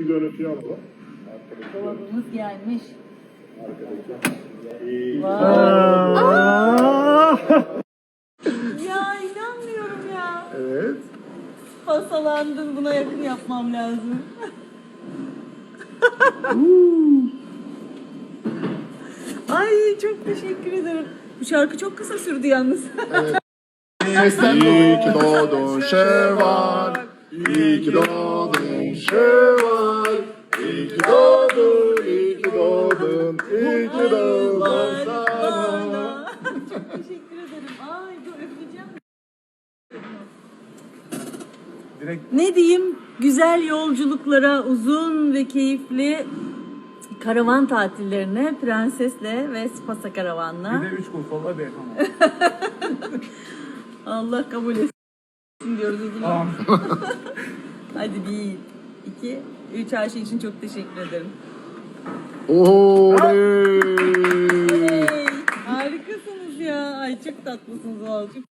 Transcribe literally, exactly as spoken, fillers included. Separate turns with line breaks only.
Görüntüyü alalım.
Dolabımız gelmiş. Ya inanmıyorum ya.
Evet.
Pasalandın, buna yakın yapmam lazım. Ay çok teşekkür ederim. Bu şarkı çok kısa sürdü yalnız.
Sesten İyi ki doğdun Şevval. İyi ki doğdun Şevval. İyi ki doğdun, iyi ki doğdun, iyi ki doğdun sana.
Çok teşekkür ederim. Ay dur öpeceğim.
Direkt
Ne diyeyim? Güzel yolculuklara, uzun ve keyifli karavan tatillerine Prenses'le ve Spasa Karavan'la.
Bir de üç kul sola bir tamam.
Allah kabul etsin diyoruz o zaman.
Tamam.
Hadi bir, iki, üç, her şey için çok teşekkür ederim.
Oley!
Hey, harikasınız ya. Ay çok tatlısınız vallahi. Çok